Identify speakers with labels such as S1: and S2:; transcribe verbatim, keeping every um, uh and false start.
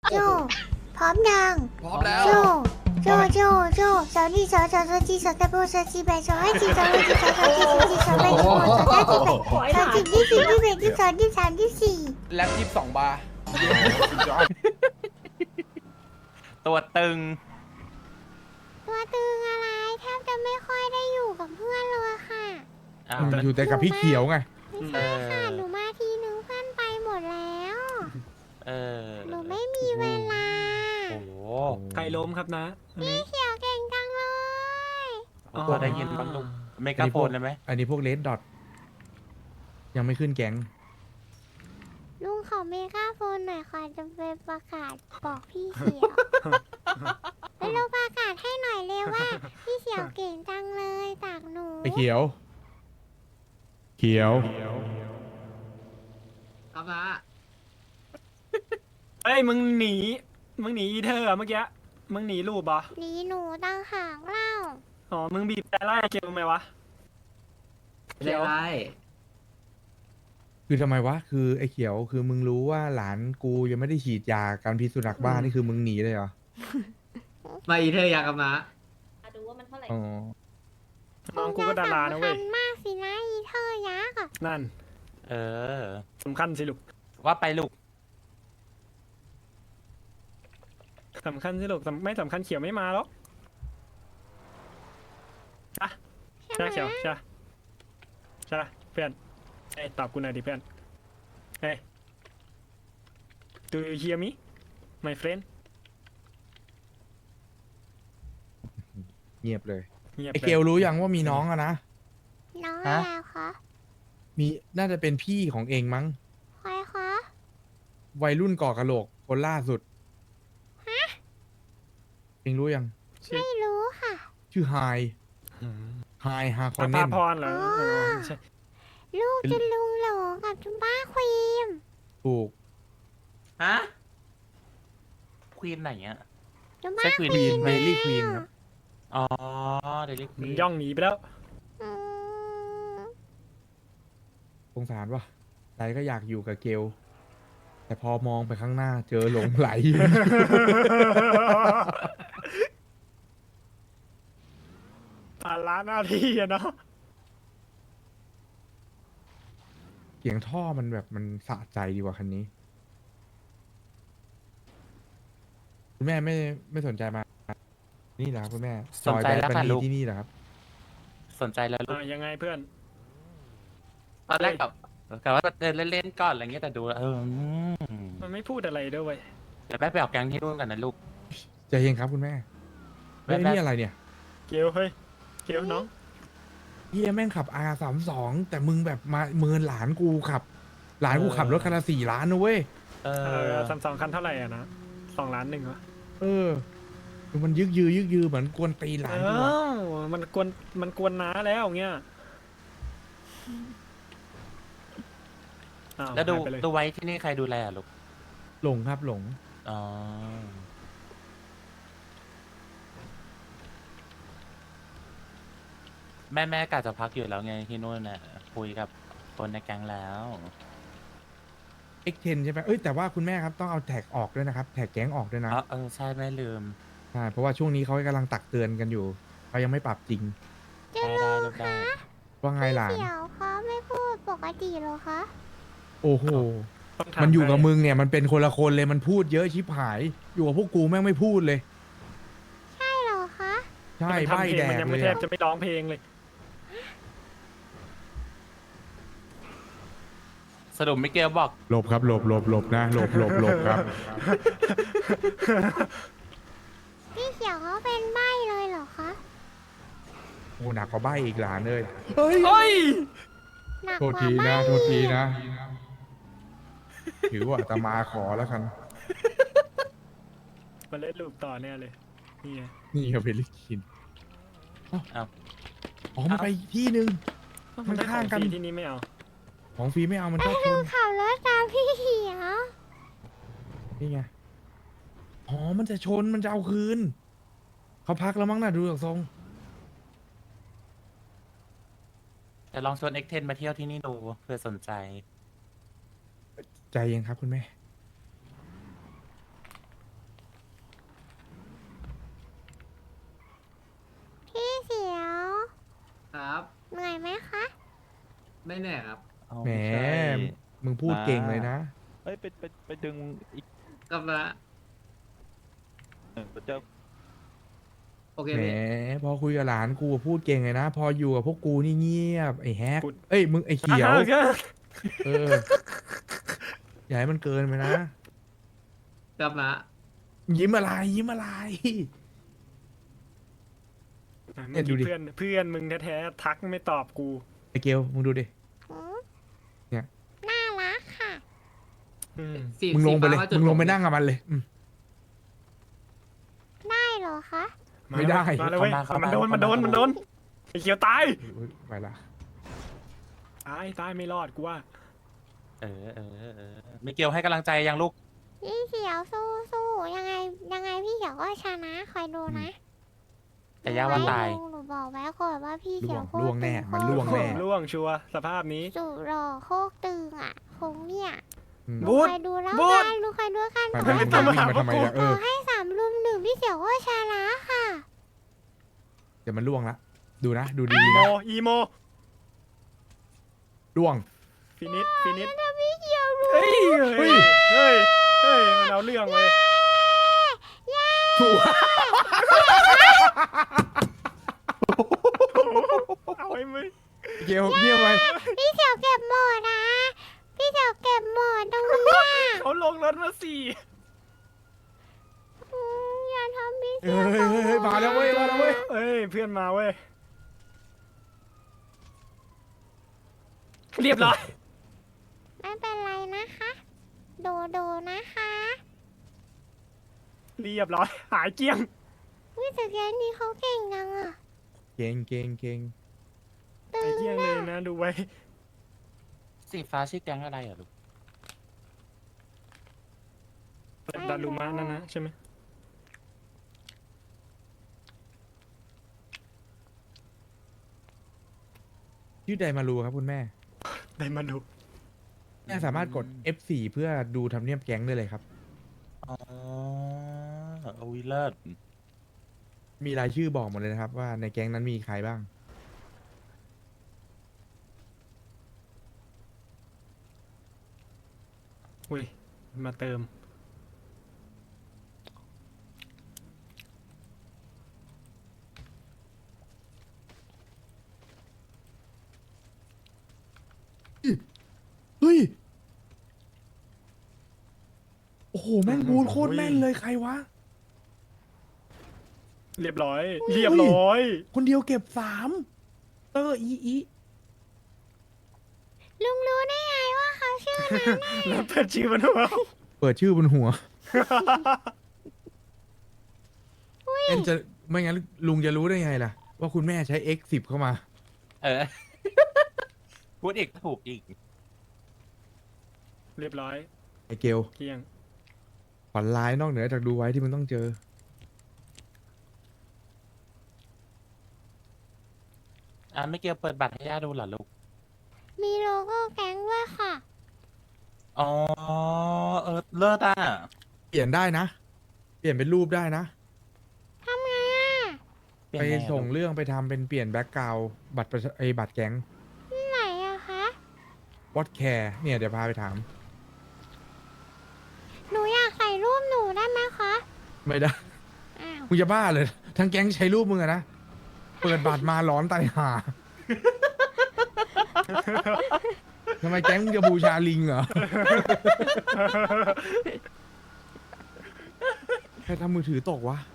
S1: โจพร้อมยัง
S2: พร้อมแล้ว
S1: โจโจโจโจสาวนี่สาวสาวสาวจีสาวตะโบสาวจีแบสาวให้จีสาวให้จีสาวสาวจีสาวจีสาวแบสาวสาวจีแบสาวจีที่สี่ที่แบที่สองที่สามที่สี่
S2: แล็บยี่สิบสองบาร์
S3: ตัวตึง
S1: ตัวตึงอะไรแทบจะไม่ค่อยได้อยู่กับเพื่อนเลยค่ะ
S3: อ้าว
S4: อืมอยู่แต่กับพี่เขียวไง
S1: ไม่ใช่ค่ะหนูมาทีนึงเพื่อนไปหมดแล้ว
S3: เออ
S1: หนูไม่มีเวลา
S3: โอ้โห
S5: ใครล้มครับนะอันนี้
S1: เขียวเก่งจังเลย
S5: อ๋อ
S3: ตัวได้ยินบ้างลูกเมกาโฟนเลยไหม
S4: อันนี้พวกเลดดอทยังไม่ขึ้นแก๊ง
S1: ลุงขอเมกาโฟนหน่อยค่ะจะไปประกาศบอกพี่เขียวไปลงประกาศให้หน่อยเร็วว่า พี่เขียวเก่งจังเลยจากหนู
S4: ไอเขียว เขียว
S2: ครับนะ
S5: เอ้ยมึงหนี มึงหนีอีเธอร์เมื่อกี้ มึงหนีรูปเหรอ
S1: หนีหนูตั้งหางเล่า
S5: อ๋อ มึงบีบแต่ไล่เกลไหมวะ
S2: ไม่ได้ไร
S4: คือทำไมวะ คือไอเขียว คือมึงรู้ว่าหลานกูยังไม่ได้ฉีดยาการพิษสุนัขบ้านี่คือมึงหนีเลยเหรอ
S2: มาอีเธออยากกับนะ
S6: ดูว่ามันเท่าไหร่
S4: อ๋อ
S5: น้องกูก็ดารานะเว้ย
S1: สำคัญมากสินะอีเธอยักษ์อะ
S5: นั่น
S3: เออ
S5: สำคัญสิลูก
S3: ว่าไปลูก
S5: สำคัญสิลูกสำไม่สำคัญเขียวไม่มาหรอกจ้ะ
S1: ใช่
S5: ใช่
S1: ไหม
S5: เขียวใช่ใช่เพื่อนเอ้ยตอบกูหน่อยดิเพื่อนเฮ้ย Do you hear me my friend
S4: เงียบเลย
S5: เงียบ
S4: ไอ
S5: เล
S4: เขียวย
S5: รู้
S4: รู้ยังว่ามีน้องอะนะ
S1: น้องอะไรคะ
S4: มีน่าจะเป็นพี่ของเองมั้ง
S1: ใครคะ
S4: วัยรุ่นก่อกะโหลกคนล่าสุด เองรู้ยัง
S1: ไม่รู้ค่ะ
S4: ชื่อไฮ ไฮฮาคอนเน
S5: ภาน พรเหรอ
S1: อ๋อ
S5: เออไม่ใช่
S1: ลูกจะลุงหลงกับจุบ้าควีม
S4: ถูก
S3: ฮะ ควีนไหนอ่ะ
S1: จุบ้า
S3: ใช่
S1: ค
S3: Queen
S1: วีม
S4: เมลี่ควีนครับ
S3: อ๋อ เดลิค
S5: มึ
S3: วี
S5: ง
S3: น
S5: ย่องหนีไปแล้ว
S1: อืม
S4: สงสารวะใจก็อยากอยู่กับเกล แต่พอมองไปข้างหน้าเจอหลงไหล
S5: ภาระหน้าที่อะเนาะ
S4: เสียงท่อมันแบบมันสะใจดีกว่าคันนี้ คุณแม่ไม่ไม่สนใจมา นี่เหรอครับคุณแม่
S3: สนใจแล้ว
S4: บั
S3: ค่ะ
S4: น
S3: ลู
S4: นี่
S3: ก
S4: ที่นี่เหรอครับ
S3: สนใจแล้วลูก
S5: อ่ะยังไงเพื่อน
S3: ตอนแรกกับกับว่าเดินเล่นๆก่อนอะไรเงี้ยแต่ดูแล้วเอออืม
S5: มันไม่พูดอะไรด้วยเวย
S3: เดี๋ยวแม่ไปออกแก๊งที่นู่นกันนะลูก
S4: ใจเย็นครับคุณแม่
S3: แม่
S4: เฮ้ย
S3: แม่
S4: นี่อะไรเนี่ย
S5: เกลเฮ้ย เกลน้อง
S4: เฮียแม่งขับ อาร์ สามสิบสอง แต่มึงแบบมาเมินหลานกูขับ หลานกูขับรถคันละสี่ล้านนะเว้ย
S3: เอ
S5: เอ
S3: อ
S5: อซัมซุงคันเท่าไหร่อ่ะนะสองล้านหนึ่งวะ
S4: เออคือมันยึกยือยึกยือเหมือนกวนตีนหลานกูอะ
S5: อ้าวมันกวนมันกวนน้าแล้วเงี้ยอ้า
S3: แล้วดู
S5: หายไปเย
S3: ดูไว้ที่นี่ใครดูแลอะลูก
S4: หลงครับหลง
S3: อ๋อ แม่แม่กะจะพักอยู่แล้วไงที่นู่นน่ะคุยกับคนในแก๊งแล้ว
S4: เอ็กเทนใช่ไหมเอ้ยแต่ว่าคุณแม่ครับต้องเอาแท็กออกด้วยนะครับ แท็กแก๊งออกด้วยนะ
S3: อ๋อเออใช่แม่ลืม
S4: ใช่เพราะว่าช่วงนี้เขากำลังตักเตือนกันอยู่เขายังไม่ปรับจริง
S1: จะ
S3: ได้
S1: ลุ
S3: ได้
S1: ง
S3: ลูกได้
S1: คะ
S4: ว่าไงหลาน
S1: เขียวเขาไม่พูดปกติเหรอคะ
S4: โอ้โห
S5: ต้องถา
S4: มันอยู่กับ
S5: ใคร
S4: มึงเนี่ยมันเป็นคนละคนเลยมันพูดเยอะชิบหาย อยู่กับพวกกูแม่งไม่พูดเลย
S1: ใช่เหรอคะ
S4: ใช่
S5: มัน
S4: ใบ
S5: ทำเพล
S4: แด
S5: งมัน
S4: ก
S5: ยัง
S4: เล
S5: ไม่
S4: ย
S5: แทบ
S4: อะ
S5: จะไม่ร้องเพลงเลย
S3: สรุปมิเกลบอก
S4: หลบครับหลบหลบหลบนะหลบหลบหลบครับ
S1: พี่เขียวเขาเป็นใบ้เลยเหรอคะ
S4: โอ้หนักกว่าใบอีกหลานเลย
S5: เฮ้ย
S1: หนัก
S4: โทษ
S1: กว่า
S4: ที
S1: ใบ้
S4: นะโทษทีนะ ถือว่าอาตมาขอแล้วกัน
S5: มาเล่นลูปต่อเนี่ยเลย นี่ไง
S4: นี่ครับเพลิคิน
S3: อ้าว
S4: อ๋อมันไปอีกที่หนึ่ง มันข้างกัน
S5: ได้ของฟรีที่นี่ไม่เอา
S4: ของฟรีไม่เอามันชอบชน
S1: ขับรถตามพี่เขียว
S4: นี่ไง อ๋อ มันจะชน มันจะเอาคืน เขาพักแล้วมั้งน่ะดูจากทรง
S3: แต่ลองชวนเอ็กเทนมาเที่ยวที่นี่ดูเพื่อสนใจ
S4: ใจเย็นครับคุณแม่
S2: ไม่แน่ครับ
S3: เอา
S4: แหม
S3: ไใช่
S4: มึงพูดเก่งเลยนะ
S6: เอ้ยไปไปไปดึงอีก
S2: กับนะ
S6: หนึ่งเจ้า
S2: โอเค
S4: แหม
S2: พี่
S4: พอคุยกับหลานกูพูดเก่งเลยนะ พออยู่กับพวกกูนี่เงียบไอ้แฮก
S5: พูด
S4: เอ้ยมึงไอ้เขียว
S5: อ่ะก็
S4: เออ อย่าให้มันเกินไปนะ
S2: กับนะ
S4: ยิ้มอะไรยิ้มอะไร เนี่ยดูดิ
S5: เพื่อนเพื่อนมึงแท้ๆทักไม่ตอบกู
S4: ไอ้เกลมึงดูดิ
S1: หืม
S4: เนี่ย
S1: น่ารักค่ะ
S5: อืม
S2: สี
S4: มึงลงไปเลย
S2: สีฟ้าาจุด
S4: มึงลงไป
S2: ผม
S4: นั่งกับมันเลยอืม
S1: ได้เหรอคะ
S4: ไม่ได้
S5: มาเลยเว้ยมันโดนมันโดนมันโดนไอ้เขียวตาย
S4: อุ๊ยไปละ
S5: ตายตายไม่รอดกูว่า
S3: เออเออเออมิเกลให้กำลังใจยังลูก
S1: พี่เขียวสู้สู้ยังไงยังไงพี่เขียวก็ชนะคอยดูนะ
S3: แต่ย่าว่าตาย
S1: หนูบอกไว้ก่อนว่าพี่
S4: ล่
S1: เขี
S4: ว
S1: ยว
S4: ง
S1: โคตร
S4: ล่วงแน่
S1: ตึ
S4: มันล่วงแน่
S5: ล่วงชัวร์สภาพนี้
S1: สุดหล่อโคกตึงอ่ะคงเนี่ย
S4: อืม
S1: หนู
S5: บูธ
S1: คอยดูแล้ว
S5: บูธ
S1: กันหนูคอยดูกัน
S4: ไป
S1: ห
S4: ไป
S1: นู
S4: มึงจะวิ่งมาทำไมล่ะเอ
S1: ต่อ
S4: อ
S1: ให้สามลุมหนึ่งพี่เขียวก็ชนะค่ะ
S4: เดี๋ยวมันล่วงละ ดูนะ ดูดี
S5: อี
S4: ๆ
S5: โม
S4: นะ
S5: อีโม
S4: ล่วง
S5: ฟินิชฟินิช
S1: ถ้าพี่เขียวรู้
S5: เฮ้ย
S4: เฮ้
S5: เฮ้ย
S4: ย
S5: เฮ้ยเฮ้ยมันเอาเรื่องเว้ย
S4: ถูก
S5: เอาไอ้มึง
S4: เกลเงียบไป
S1: พี่เขียวเก็บหมดนะ พี่เขียวเก็บหมดตรงเนี้ย
S5: เขาลงรถมาสี่
S1: อืมอย่าทำพี่
S4: เฮ้
S1: เขียวย
S4: เฮ้ยเฮ้ยมาแล้วเว้ย มาแล้วเว้ย
S5: เอ้ยเพื่อนมาเว้ยเรียบร้อย
S1: ไม่เป็นไรนะคะ โดโดนะคะ
S5: เรียบร้อยหายเกลี้ยง
S1: วิแต่แกนี่เขาเก่งจังอ่ะ
S4: เก่งเก่งเก่ง
S1: ตึ
S5: หาย
S1: ง
S5: เกลี้ยงเลยนะดูไว้
S3: สีฟ้าชื่อแก๊งอะไรอ่ะลูก
S5: ดารุมะนั่นนะใช่ไหม
S4: ชื่อไดมารูครับคุณแม่
S5: ได้มาดู
S4: แม่สามารถกด เอฟ โฟร์ เพื่อดูทำเนียบแก๊งได้เลยครับ
S3: อ๋อโอ้ยเลิศ
S4: มีรายชื่อบอกหมดเลยนะครับ ว่าในแก๊งนั้นมีใครบ้าง
S5: อุ้ยมาเติม
S4: เฮ้ย โอ้โห แม่งบูทโคตรแม่นเลยใครวะ
S5: เรียบร้อย
S4: อุ้ย
S5: เรียบร้อย
S4: คนเดียวเก็บสามเตอร์อีอี
S1: ลุงรู้ได้ไงว่าเขาชื่อนั้น
S5: แล้วเปิดชื่อมันหัว
S4: เปิดชื่อบนหัวเอ็นจะไม่งั้นลุงจะรู้ได้ไงล่ะ ว่าคุณแม่ใช้ เอ็กซ์ สิบ เข้ามา
S3: เออ พูดอีกถูกอีก
S5: เรียบร้อย
S4: ไอเกล
S5: เกลี้ยง
S4: ฝันร้ายนอกเหนือจากดูไว้ที่มันต้องเจอ
S3: อ่ะมิเกลเปิดบัตรให้ย่าดูเหรอลูก
S1: มีโลโก้แก๊งด้วยค่ะ
S3: อ๋อ เออ เลิศอ่ะ
S4: เปลี่ยนได้นะ เปลี่ยนเป็นรูปได้นะ
S1: ทำไงอ่ะ
S3: เปลี่ย
S4: ไป
S3: นไงอะ
S4: ส่ง
S3: ลูก
S4: เรื่องไปทำเป็นเปลี่ยนแบ็กกราวบัตรประชาไอบัตรแก๊ง
S1: ไหนอะคะ
S4: วอตแคร์เนี่ยเดี๋ยวพาไปถาม
S1: หนูอยากใส่รูปหนูได้ไหมคะ
S4: ไม่ได้
S1: อ้าว
S4: มึงจะบ้าเลย ทั้งแก๊งใช้รูปมึงอะนะ เปิดบัตรมาร้อนตายห่า ทำไมแก๊งมึงจะบูชาลิงเหรอ ใครทำมือถือตกวะ